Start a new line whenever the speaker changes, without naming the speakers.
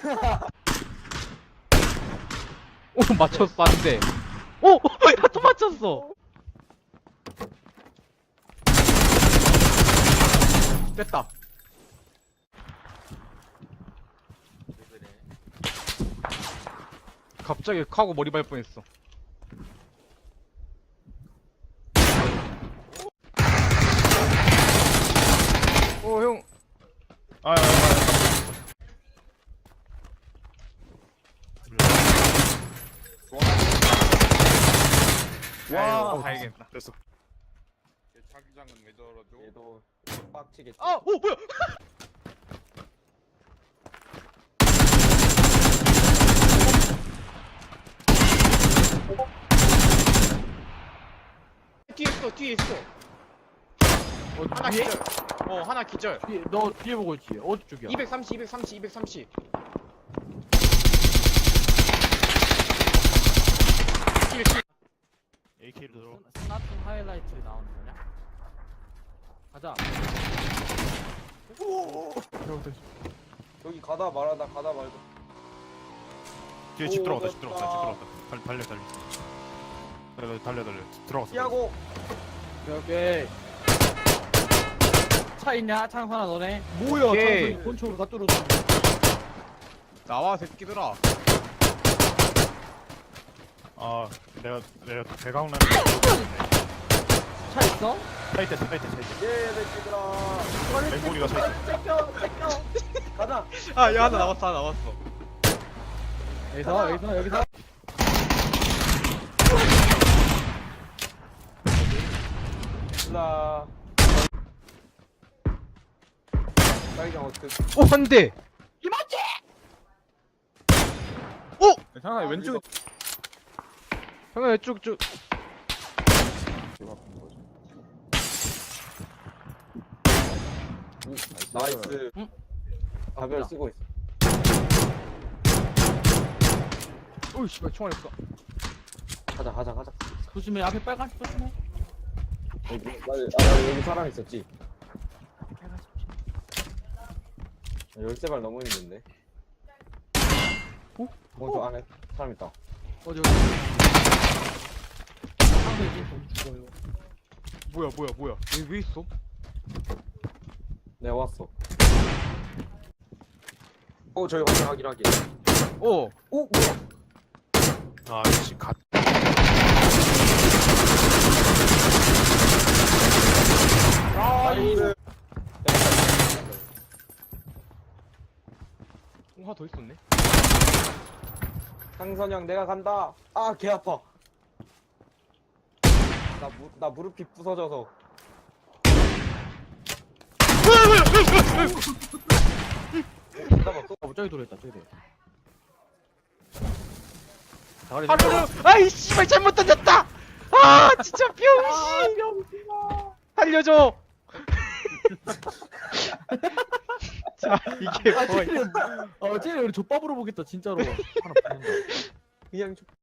오 맞췄어 안돼. 오! 야 또 맞췄어. 됐다.
왜 그래?
갑자기 카고 머리 밟 뻔했어. 오 형.
와,
다행이다.
됐어.
얘 자기장은 왜 저러죠?
얘도 빡치겠지.
아, 오 뭐야? 뒤에 있어, 뒤에 있어. 하나
뒤에?
기절. 하나 기절.
너 뒤에 보고 있지? 어디 쪽이야?
230, 230, 230.
AK를 들어.
스나트 하이라이트 나오는 거냐? 가자.
여기 가다 말하다 가다 말고.
뒤에 집
오,
들어갔다. 집
됐다.
들어갔다. 집 들어갔다. 달려. 들어갔어.
피하고.
오케이. 차 있냐? 창선아 너네. 뭐야?
오케이.
창선이 권총으로 다 뚫었어.
나와 새끼들아.
아, 내가 대강남.
차 있어?
차이대.
예, 내 친구들아.
맹고리가 차이대.
뺏겨. 가자.
아, 야 하나 남았어, 하나 남았어.
여기서.
일라. 자기장 어떻게?
오, 한 대.
상상이 왼쪽에
형아 쭉쭉.
나이스.
응?
가별 쓰고 있어.
오이 씨발 총알 없어.
가자.
조심해. 앞에 빨간색 조심해.
여기 사람 있었지. 열쇠발 넘어 있는데. 저 안에 사람 있다.
어디. 상대지 좀 죽어요.
뭐야? 여기 왜 있어?
내가 왔어. 저기 확인.
오,
오, 뭐야?
아, 씨, 갓.
나이스.
하나 더 있었네.
상선형 내가 간다. 아, 개 아파. 나 무릎이 부서져서.
저기 돌아있다. 저기.
하루. 아이 씨발 잘못 던졌다. 아, 진짜 병신. 살려줘. 자, 이게 뭐야?
쟤네 우리 족밥으로 보겠다 진짜로. 하나 붙는다.
그냥